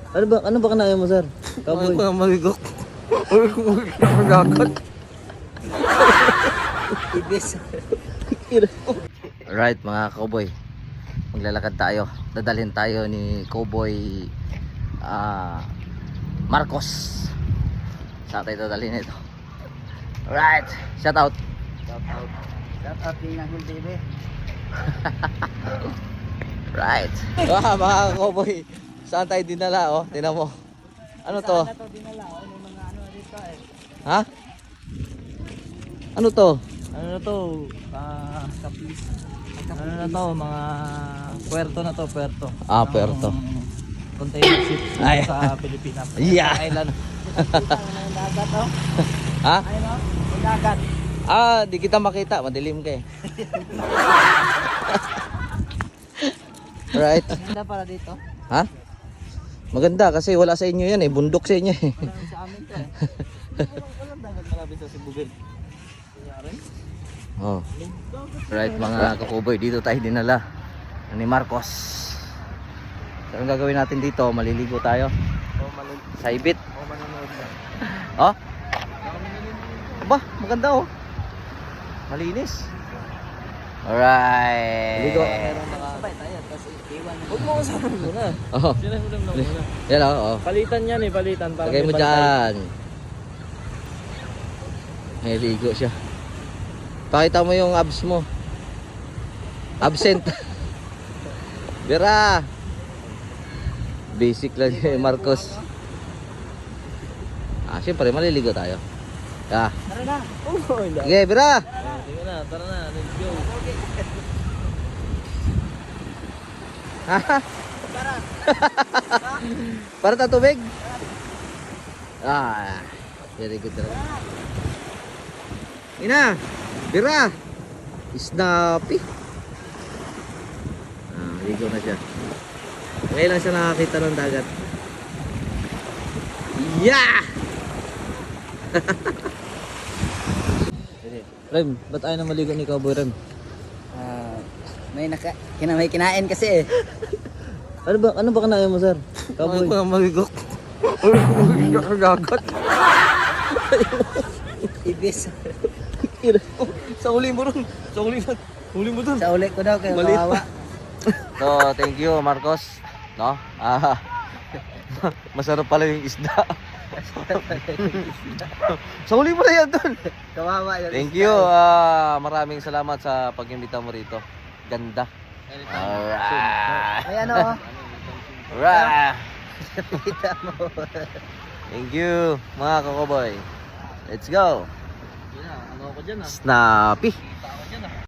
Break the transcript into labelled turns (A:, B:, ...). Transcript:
A: Ano ba kanaya mo, sir? Cowboy.
B: Ano ba magigok? Uy, magagat.
A: Ibis.
B: Alright mga cowboy, maglalakad tayo. Dadalhin tayo ni Cowboy Marcos. Saan tayo dadalhin ito? Alright, shout out.
A: Shout out din ng TV.
B: Right. Mga cowboy, saan tayo dinala oh? Tingnan mo. Ano to?
A: Saan na to dinala? Ano mga ano dito eh?
B: Ha? Ano to?
A: Ano na to? Kapis. Ano na to? Mga puerto na to, puerto.
B: Ah, puerto.
A: Container ship
B: Ay.
A: sa Pilipinas.
B: Yeah.
A: Island. Ang dagat oh.
B: Ha?
A: Ayun oh, ang dagat.
B: Ah, di kita makita, madilim ka eh. Right.
A: Ganda para dito.
B: Ha? Maganda kasi wala sa inyo yan eh, bundok sa inyo eh.
A: Wala sa amin to eh. Walang dagat malapit sa Sibugay. Kunyari.
B: Oh. Right mga kakuboy, dito tayo dinala ni Marcos. So, ang gagawin natin dito, maliligo tayo sa ibit.
A: Manonood na.
B: Oh? Ba, maganda oh. Malinis. Alright.
A: Ligo, meron mga sabay tayo kasi iwan. Huwag mo kasama muna.
B: Oh.
A: Sila ulam na muna.
B: Yan oh.
A: Palitan yan eh, palitan. Para
B: Lagay mo
A: may bantay.
B: dyan. May ligo siya. Pakita mo yung abs mo. Absent. Bira. Basic lang yung Marcos. Ah, siyempre maliligo tayo. Ah.
A: Tara na. Oh, hindi.
B: Sige, Bira.
A: Sige na, tara na. Let's go.
B: Para ta tubig? Ah, very good talaga. Ina, Bira. Snappy. Ah, ligo na siya. Ngayon lang siya nakakita ng dagat. Yeah!
A: Rem, ba't ayaw na maligo ni Cowboy Rem?
C: May kinain kasi eh.
A: Ano ba kanaya mo, sir? Cowboy.
B: Ano ba magigok? Uy, magagat.
C: Ibis.
A: Sa uli mo ron. Sa uli mo. Huli mo dun.
C: Sa uli ko daw kayo
A: Maliit
C: kawawa.
B: So, thank you Marcos. No? Masarap pala yung isda. Sa huli mo na yan dun.
C: Kawawa yun.
B: Thank you. Maraming salamat sa pag-imbita mo rito. Ganda. Alright.
C: May ano oh.
B: Alright.
C: Kita mo.
B: Thank you mga kakoboy. Let's go.
A: Ano ako dyan ah.
B: Snappy.
A: Ako dyan ah.